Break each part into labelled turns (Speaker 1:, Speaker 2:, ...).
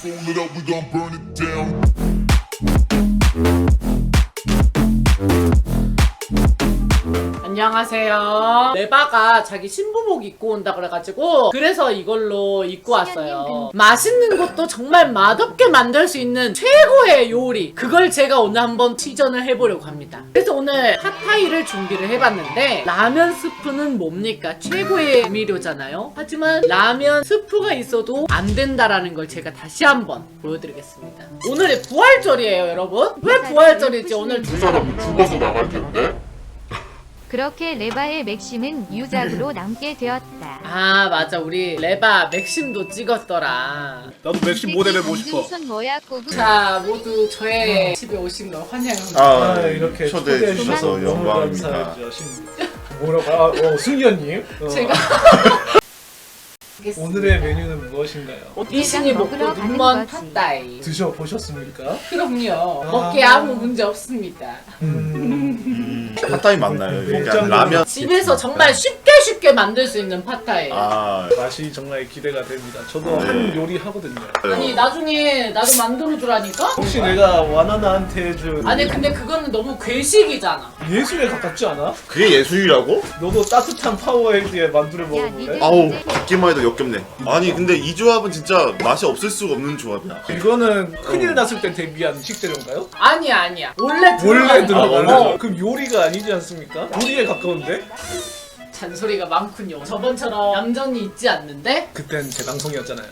Speaker 1: Fold it up, we gon' burn it down.
Speaker 2: 안녕하세요. 레바가 자기 신부복 입고 온다 그래가지고 그래서 이걸로 입고 왔어요. 맛있는 것도 정말 맛없게 만들 수 있는 최고의 요리, 그걸 제가 오늘 한번 시전을 해보려고 합니다. 그래서 오늘 핫타이를 준비를 해봤는데, 라면 스프는 뭡니까? 최고의 조미료잖아요. 하지만 라면 스프가 있어도 안 된다라는 걸 제가 다시 한번 보여드리겠습니다. 오늘이 부활절이에요, 여러분. 왜 부활절이지? 오늘 두 사람
Speaker 1: 죽어서 나갈 텐데.
Speaker 3: 그렇게 레바의 맥심은 유작으로 남게 되었다.
Speaker 2: 아 맞아, 우리 레바 맥심도 찍었더라.
Speaker 4: 나도 맥심 모델 해보고 싶어.
Speaker 3: 손 뭐야 꼬부.
Speaker 2: 자, 모두 저의 집에 오신 걸 환영합니다.
Speaker 4: 아, 이렇게
Speaker 5: 초대해 주셔서
Speaker 4: 너무
Speaker 5: 영광입니다.
Speaker 4: 감사하죠. 뭐라고? 승현님.
Speaker 2: 제가
Speaker 4: 오늘의 메뉴는 무엇인가요?
Speaker 2: 이신이 먹고
Speaker 3: 먹으러 가는
Speaker 2: 눈먼
Speaker 3: 거지.
Speaker 2: 팟다이.
Speaker 4: 드셔보셨습니까?
Speaker 2: 그럼요. 먹기에 아무 문제 없습니다.
Speaker 5: 팟타이 맞나요? 그러니까
Speaker 4: 목장도
Speaker 5: 라면.
Speaker 2: 집에서 정말 쉽게 만들 수 있는 팟다이.
Speaker 5: 아,
Speaker 4: 맛이 정말 기대가 됩니다. 저도
Speaker 5: 네.
Speaker 4: 한 요리 하거든요.
Speaker 2: 아니 나중에 나도 만들어 주라니까?
Speaker 4: 혹시 내가 와나나한테 해준
Speaker 2: 아니 근데 그거는 너무 괴식이잖아.
Speaker 4: 예술에 가깝지 않아?
Speaker 5: 그게 예술이라고?
Speaker 4: 너도 따뜻한 파워헤이드에 만두를 먹어볼래?
Speaker 3: 니들-
Speaker 5: 아우, 듣기만 해도 역겹네. 아니 근데 이 조합은 진짜 맛이 없을 수가 없는 조합이야.
Speaker 4: 이거는 큰일 났을 때 대비한 식재료인가요?
Speaker 2: 아니야. 원래
Speaker 4: 원래
Speaker 2: 들어가요.
Speaker 4: 들어가요. 그럼 요리가 아니지 않습니까? 요리에 가까운데?
Speaker 2: 잔소리가 많군요. 저번처럼 얌전히 있지 않는데?
Speaker 4: 그땐 제 방송이었잖아요.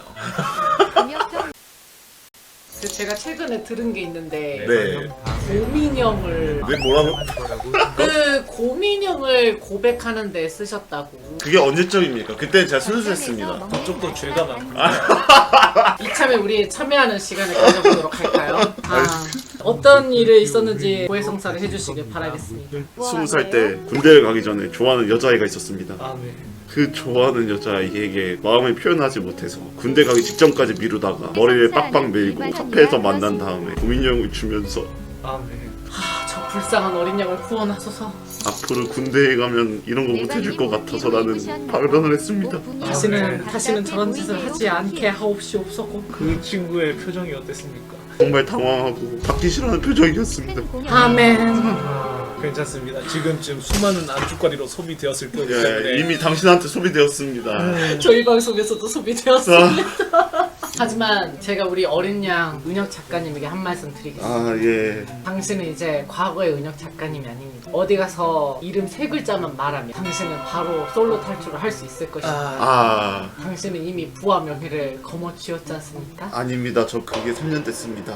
Speaker 3: 김혁정
Speaker 2: 그 제가 최근에 들은 게 있는데
Speaker 5: 네.
Speaker 2: 고민형을
Speaker 5: 왜 뭐라고?
Speaker 2: 그 고민형을 고백하는 데 쓰셨다고.
Speaker 5: 그게 언제적입니까? 그때는 제가 순수했습니다.
Speaker 4: 그쪽도 죄가 많구나.
Speaker 2: 이참에 우리 참여하는 시간을 가져보도록 할까요? 어떤 일이 있었는지 고해성사를 해주시길 바라겠습니다.
Speaker 5: 20살 때 군대를 가기 전에 좋아하는 여자아이가 있었습니다.
Speaker 4: 아, 네.
Speaker 5: 그 좋아하는 여자아이에게 마음을 표현하지 못해서 군대 가기 직전까지 미루다가 머리를 빡빡 밀고 카페에서 만난 다음에 고민형을 주면서
Speaker 4: 아, 네.
Speaker 2: 저 불쌍한 어린 양을 구원하소서.
Speaker 5: 앞으로 군대에 가면 이런 거 못해줄 것 같아서 나는 발언을 했습니다.
Speaker 2: 다시는 저런 짓을 하지 않게 하옵시옵소서.
Speaker 4: 그 친구의 표정이 어땠습니까?
Speaker 5: 정말 당황하고 받기 싫어하는 표정이었습니다.
Speaker 2: 아멘.
Speaker 4: 괜찮습니다. 지금쯤 수많은 안주거리로 소비되었을 거기 때문에
Speaker 5: 예, 이미 당신한테 소비되었습니다.
Speaker 2: 저희 방송에서도 소비되었습니다. 하지만 제가 우리 어린 양 은혁 작가님에게 한 말씀 드리겠습니다.
Speaker 5: 아, 예.
Speaker 2: 당신은 이제 과거의 은혁 작가님이 아닙니다. 어디 가서 이름 세 글자만 말하면 당신은 바로 솔로 탈출을 할 수 있을 것입니다.
Speaker 5: 아,
Speaker 2: 당신은 이미 부와 명예를 거머쥐었지 않습니까?
Speaker 5: 아닙니다. 저 그게 3년 됐습니다.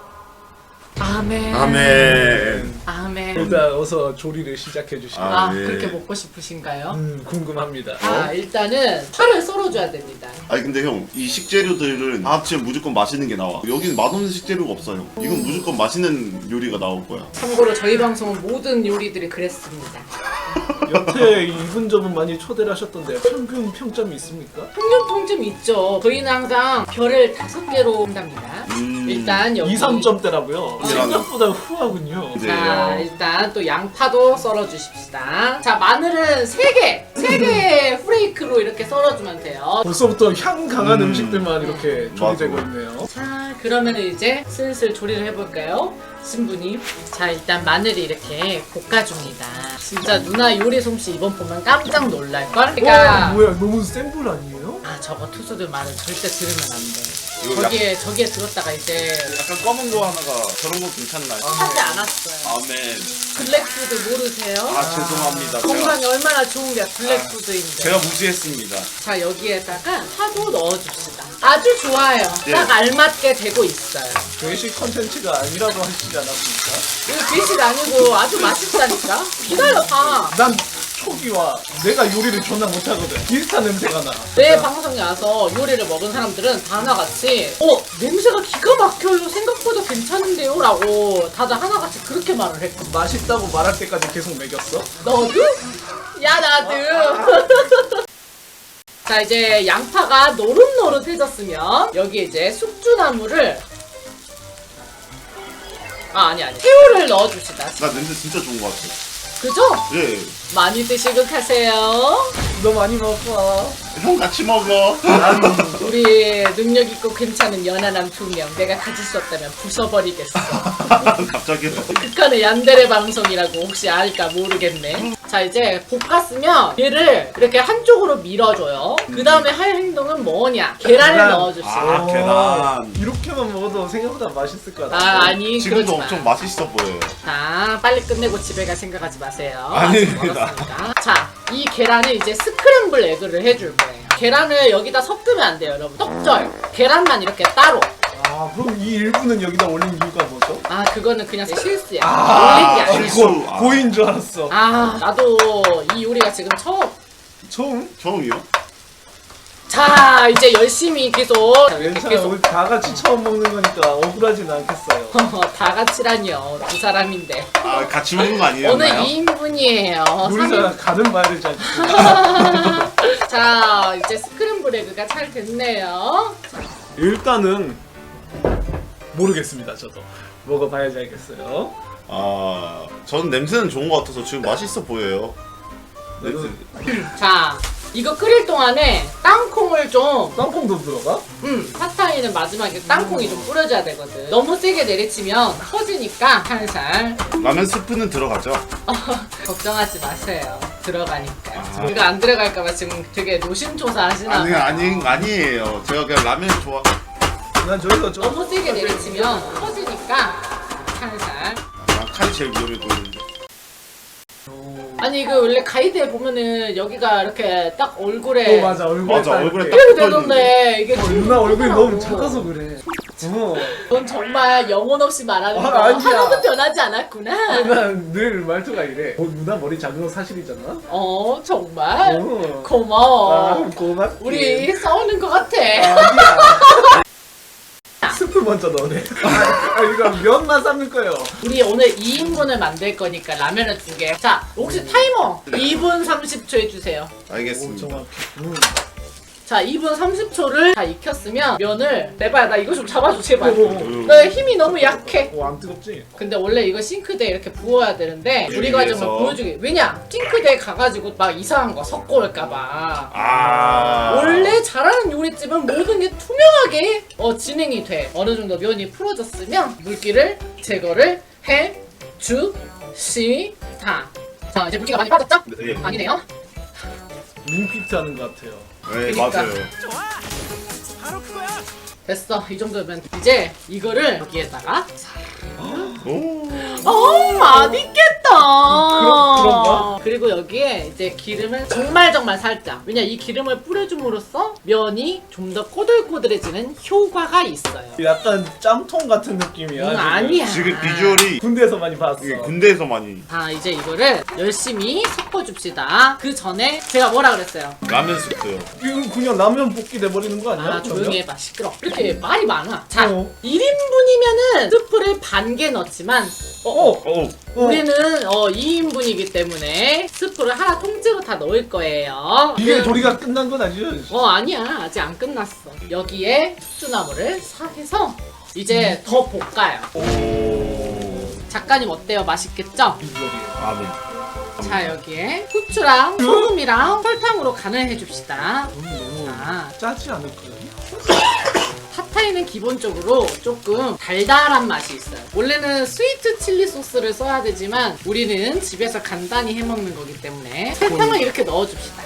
Speaker 2: 아멘.
Speaker 5: 아멘.
Speaker 2: 아멘.
Speaker 4: 일단 어서 조리를 시작해 주시죠.
Speaker 2: 아,
Speaker 5: 네.
Speaker 2: 그렇게 먹고 싶으신가요?
Speaker 4: 궁금합니다.
Speaker 2: 일단은 파를 썰어줘야 됩니다.
Speaker 5: 아니 근데 형, 이 식재료들은 다 합치면 무조건 맛있는 게 나와. 여기는 맛없는 식재료가 없어요. 이건 무조건 맛있는 요리가 나올 거야.
Speaker 2: 참고로 저희 방송은 모든 요리들이 그랬습니다.
Speaker 4: 여태 이분저분 많이 초대를 하셨던데 평균 평점이 있습니까?
Speaker 2: 평균 평점 있죠. 저희는 항상 별을 5개로 한답니다. 일단 여기
Speaker 4: 2, 3점대라고요?
Speaker 5: 네.
Speaker 4: 생각보다 후하군요.
Speaker 5: 네.
Speaker 2: 자, 일단 또 양파도 썰어 주십시다. 자, 마늘은 3개. 3개의 후레이크로 이렇게 썰어주면 돼요.
Speaker 4: 벌써부터 향 강한 음식들만 이렇게 조리되고
Speaker 5: 맞아.
Speaker 4: 있네요.
Speaker 2: 자, 그러면 이제 슬슬 조리를 해볼까요? 신부님. 자, 일단 마늘이 이렇게 볶아줍니다. 진짜 누나 요리 솜씨 이번 보면 깜짝 놀랄걸? 그러니까
Speaker 4: 뭐야, 너무 센 불 아니에요?
Speaker 2: 저거 투수들 말은 절대 들으면 안 돼.
Speaker 5: 이거
Speaker 2: 저기에 들었다가 이제
Speaker 5: 약간 검은 거 하나가 저런 거 괜찮나요?
Speaker 2: 하지 않았어요.
Speaker 5: 아멘.
Speaker 2: 블랙푸드 모르세요?
Speaker 5: 죄송합니다.
Speaker 2: 건강에 얼마나 좋은 게 블랙푸드인데.
Speaker 5: 제가 무시했습니다.
Speaker 2: 자, 여기에다가 파도 넣어줍시다. 아주 좋아요.
Speaker 5: 예.
Speaker 2: 딱 알맞게 되고 있어요.
Speaker 4: 외식 컨텐츠가 아니라고 하시지 않았습니까?
Speaker 2: 이거 괴식 아니고 아주 맛있다니까? 기다려봐.
Speaker 4: 난 초기와 내가 요리를 존나 못하거든. 비슷한 냄새가 나.
Speaker 2: 내 방송에 와서 요리를 먹은 사람들은 다 하나같이 냄새가 기가 막혀요. 생각보다 괜찮은데요? 라고 다들 하나같이 그렇게 말을 했거든.
Speaker 4: 맛있다고 말할 때까지 계속 먹였어?
Speaker 2: 너도? 야, 나도. 자, 이제 양파가 노릇노릇해졌으면 여기 이제 숙주나물을 아니 새우를 넣어줍시다.
Speaker 5: 나 냄새 진짜 좋은 거 같아.
Speaker 2: 그죠?
Speaker 5: 예.
Speaker 2: 많이 드시고 가세요.
Speaker 4: 너 많이 먹어.
Speaker 5: 형 같이 먹어.
Speaker 2: 우리 능력 있고 괜찮은 연하남 2명 내가 가질 수 없다면 부숴버리겠어.
Speaker 5: 갑자기.
Speaker 2: 극한의 얀데레 방송이라고 혹시 알까 모르겠네. 자 이제 볶았으면 얘를 이렇게 한쪽으로 밀어줘요. 그 다음에 할 행동은 뭐냐? 계란을
Speaker 4: 계란.
Speaker 2: 넣어줍시다.
Speaker 5: 아, 계란.
Speaker 4: 이렇게만 먹어도 생각보다 맛있을 것 같아.
Speaker 2: 아 아니
Speaker 5: 지금도
Speaker 2: 그러지 마.
Speaker 5: 엄청 맛있어 보여요.
Speaker 2: 자 빨리 끝내고 집에 갈 생각하지 마세요.
Speaker 5: 아닙니다.
Speaker 2: 아직 멀었으니까. 자 이 계란을 이제 스크램블 에그를 해줄 거예요. 계란을 여기다 섞으면 안 돼요 여러분. 떡절 계란만 이렇게 따로.
Speaker 4: 아 그럼 이 일부는 여기다 올린 이유가 뭐죠?
Speaker 2: 아 그거는 그냥 실수야. 올린 게 아니야.
Speaker 5: 실수.
Speaker 4: 고인 줄 알았어.
Speaker 2: 아 나도 이 요리가 지금 처음.
Speaker 4: 처음?
Speaker 5: 처음이요?
Speaker 2: 자 이제 열심히 계속
Speaker 4: 괜찮아.
Speaker 2: 계속
Speaker 4: 우리 다 같이 처음 먹는 거니까 억울하진 않겠어요.
Speaker 2: 다 같이라니요. 두 사람인데
Speaker 5: 아, 같이 먹는 거 아니에요?
Speaker 2: 오늘 2인분이에요.
Speaker 4: 우리가 가는 말을 잘 듣고.
Speaker 2: 자 이제 스크램블 에그가 잘 됐네요.
Speaker 4: 일단은 모르겠습니다. 저도 먹어봐야지 알겠어요.
Speaker 5: 아, 저는 냄새는 좋은 것 같아서 지금 맛있어 보여요. 냄새.
Speaker 2: 자 이거 끓일 동안에 땅콩을 좀
Speaker 4: 땅콩도 들어가?
Speaker 2: 팟타이는 마지막에 땅콩이 좀 뿌려줘야 되거든. 너무 세게 내리치면 터지니까 살살
Speaker 5: 라면 스프는 들어가죠?
Speaker 2: 걱정하지 마세요. 들어가니까. 이거 안 들어갈까봐 지금 되게 노심초사 하시나
Speaker 5: 아니,
Speaker 2: 봐요.
Speaker 5: 아니에요. 제가 그냥 라면 좋아.
Speaker 4: 난 저기서 좀
Speaker 2: 너무 세게 내리치면 터지니까 살살.
Speaker 5: 아, 칼이 제일 위험해 보이는데.
Speaker 2: 아니 이거 원래 가이드에 보면은 여기가 이렇게 딱 얼굴에
Speaker 4: 맞아 얼굴에
Speaker 5: 맞아,
Speaker 4: 딱
Speaker 5: 얼굴에
Speaker 4: 이렇게.
Speaker 5: 딱
Speaker 2: 이렇게 되던데 이게
Speaker 4: 누나 얼굴이
Speaker 2: 하더라고.
Speaker 4: 너무 작아서 그래.
Speaker 2: 넌 정말 영혼 없이 말하는 거
Speaker 4: 아니야.
Speaker 2: 하나도 변하지 않았구나.
Speaker 4: 난 늘 말투가 이래. 누나 머리 작은 거 사실이잖아.
Speaker 2: 정말
Speaker 4: 어.
Speaker 2: 고마워.
Speaker 4: 고맙지.
Speaker 2: 우리 싸우는 것 같아.
Speaker 4: 아니야. 스프 먼저 넣네. 이거 면만 삶을 거예요.
Speaker 2: 우리 오늘 2인분을 만들 거니까 라면을 2개. 자 혹시 타이머 2분 30초 해주세요.
Speaker 5: 알겠습니다.
Speaker 4: 정확해.
Speaker 2: 자 2분 30초를 다 익혔으면 면을 내봐야 나 이거 좀 잡아줘 제발.
Speaker 4: 오.
Speaker 2: 나 힘이 너무 약해.
Speaker 4: 안 뜨겁지?
Speaker 2: 근데 원래 이거 싱크대에 이렇게 부어야 되는데 우리 과정을
Speaker 5: 위해서.
Speaker 2: 보여주기. 왜냐? 싱크대에 가가지고 막 이상한 거 섞어 올까봐.
Speaker 5: 아.
Speaker 2: 원래 잘하는 요리집은 모든 게 투명하게 진행이 돼. 어느 정도 면이 풀어졌으면 물기를 제거를 해 주시다. 자 이제 물기가 많이 빠졌죠?
Speaker 5: 네.
Speaker 2: 아니네요.
Speaker 4: 링피트 하는 것 같아요.
Speaker 5: 네,
Speaker 2: 그러니까.
Speaker 5: 맞아요.
Speaker 2: 됐어. 이 정도면 이제 이거를 여기에다가
Speaker 5: 오.
Speaker 2: 맛있겠다.
Speaker 4: 그런가?
Speaker 2: 그리고 여기에 이제 기름을 정말 살짝. 왜냐 이 기름을 뿌려줌으로써 면이 좀 더 꼬들꼬들해지는 효과가 있어요.
Speaker 4: 약간 짬통 같은 느낌이야. 지금.
Speaker 2: 아니야.
Speaker 5: 지금 비주얼이
Speaker 4: 군대에서 많이 봤어.
Speaker 5: 이게 군대에서 많이
Speaker 2: 자 이제 이거를 열심히 섞어줍시다. 그 전에 제가 뭐라 그랬어요?
Speaker 5: 라면 스프요.
Speaker 4: 이거 그냥 라면 볶기 돼버리는 거 아니야?
Speaker 2: 아 조용히 해봐 시끄러. 이렇게 말이 많아. 자
Speaker 4: 어.
Speaker 2: 1인분이면은 스프를 반 개 넣지만
Speaker 5: 오.
Speaker 2: 우리는 2인분이기 때문에 스프를 하나 통째로 다 넣을 거예요.
Speaker 4: 이게 조리가 끝난 건 아니죠?
Speaker 2: 아니야 아직 안 끝났어. 여기에 숙주나물을 싹 해서 이제 더 볶아요.
Speaker 5: 오.
Speaker 2: 작가님 어때요? 맛있겠죠?
Speaker 5: 라면.
Speaker 2: 자 여기에 후추랑 소금이랑 설탕으로 간을 해줍시다.
Speaker 4: 너무
Speaker 2: 자
Speaker 4: 짜지 않을까요?
Speaker 2: 팟타이는 기본적으로 조금 달달한 맛이 있어요. 원래는 스위트 칠리 소스를 써야 되지만 우리는 집에서 간단히 해먹는 거기 때문에 설탕을 이렇게 넣어줍시다.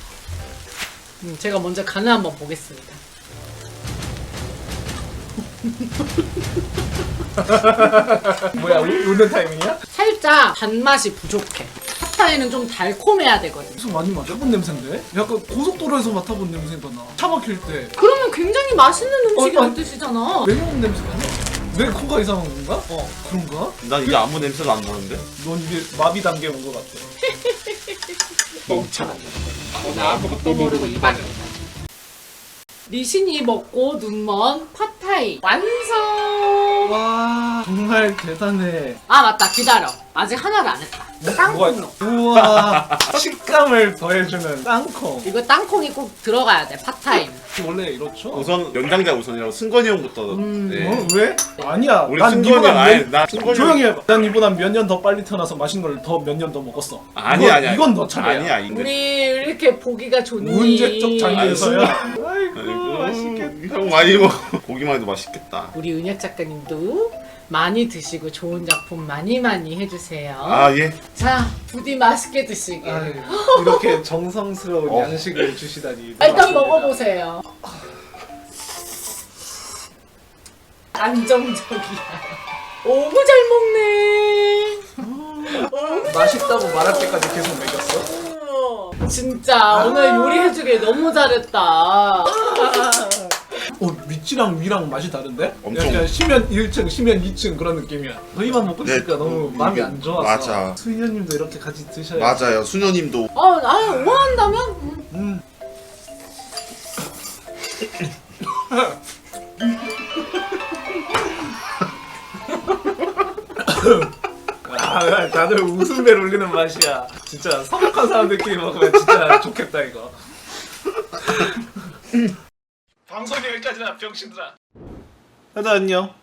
Speaker 2: 제가 먼저 간을 한번 보겠습니다.
Speaker 4: 뭐야 우는 타이밍이야?
Speaker 2: 살짝 단맛이 부족해. 팟타이는 좀 달콤해야 되거든.
Speaker 4: 무슨 많이 맡아본 냄새인데? 약간 고속도로에서 맡아본 냄새가 나. 차 막힐 때.
Speaker 2: 그러면 굉장히 맛있는 음식이란
Speaker 4: 어.
Speaker 2: 뜻이잖아.
Speaker 4: 매운 냄새가 나. 내 코가 이상한 건가? 그런가?
Speaker 5: 난 이게 아무 냄새가 안 나는데.
Speaker 4: 넌 이게 마비 단계 온 것 같아.
Speaker 5: 멍청.
Speaker 2: 나 아무것도 모르고 이반이. 리신이 먹고 눈먼 팟타이 완성.
Speaker 4: 와 정말 대단해.
Speaker 2: 아 맞다 기다려. 아직 하나를 안 했다. 땅콩.
Speaker 4: 우와 식감을 더해주는 땅콩.
Speaker 2: 이거 땅콩이 꼭 들어가야 돼. 팟타임.
Speaker 4: 원래 이렇죠?
Speaker 5: 우선 연장자 우선이라고 승건이 형부터. 네.
Speaker 4: 어? 왜? 아니야.
Speaker 5: 우리
Speaker 4: 난
Speaker 5: 승건이
Speaker 4: 니보다
Speaker 5: 아니 나 승건이
Speaker 4: 조용히 해봐. 난 니보다 몇 년 더 빨리 태어나서 맛있는 걸 더 몇 년 더 먹었어.
Speaker 5: 아니야.
Speaker 4: 이건 너 차례야.
Speaker 5: 아니야. 이거.
Speaker 2: 우리 이렇게 보기가 좋니?
Speaker 4: 문제적 장면에서야. 아이고
Speaker 5: 아이고,
Speaker 4: 맛있겠다.
Speaker 5: 형 많이 먹어. 고기만 해도 맛있겠다.
Speaker 2: 우리 은혁 작가님도 많이 드시고 좋은 작품 많이 해주세요.
Speaker 5: 아 예.
Speaker 2: 자, 부디 맛있게 드시게.
Speaker 4: 아유, 이렇게 정성스러운
Speaker 5: 어.
Speaker 4: 양식을 주시다니.
Speaker 2: 일단 먹어보세요. 안정적이야. 오구 잘 먹네.
Speaker 4: 맛있다고 말할 때까지 계속 먹였어.
Speaker 2: 진짜 오늘 요리해주길 너무 잘했다.
Speaker 4: 밑이랑 위랑 맛이 다른데?
Speaker 5: 엄청.
Speaker 4: 약간 심연 1층, 심연 2층 그런 느낌이야. 저희만 먹고
Speaker 5: 네,
Speaker 4: 있으니까 너무 마음이
Speaker 5: 이게-
Speaker 4: 안 좋아서.
Speaker 5: 맞아.
Speaker 4: 수희연님도 이렇게 같이 드셔야.
Speaker 5: 맞아요. 수녀님도
Speaker 2: 아유, 오한다면?
Speaker 4: 아, 다들 웃음벨 울리는 맛이야. 진짜 서먹한 사람들끼리 먹으면 진짜 좋겠다 이거. 방송이 여기까지나 병신들아. 다들 안녕.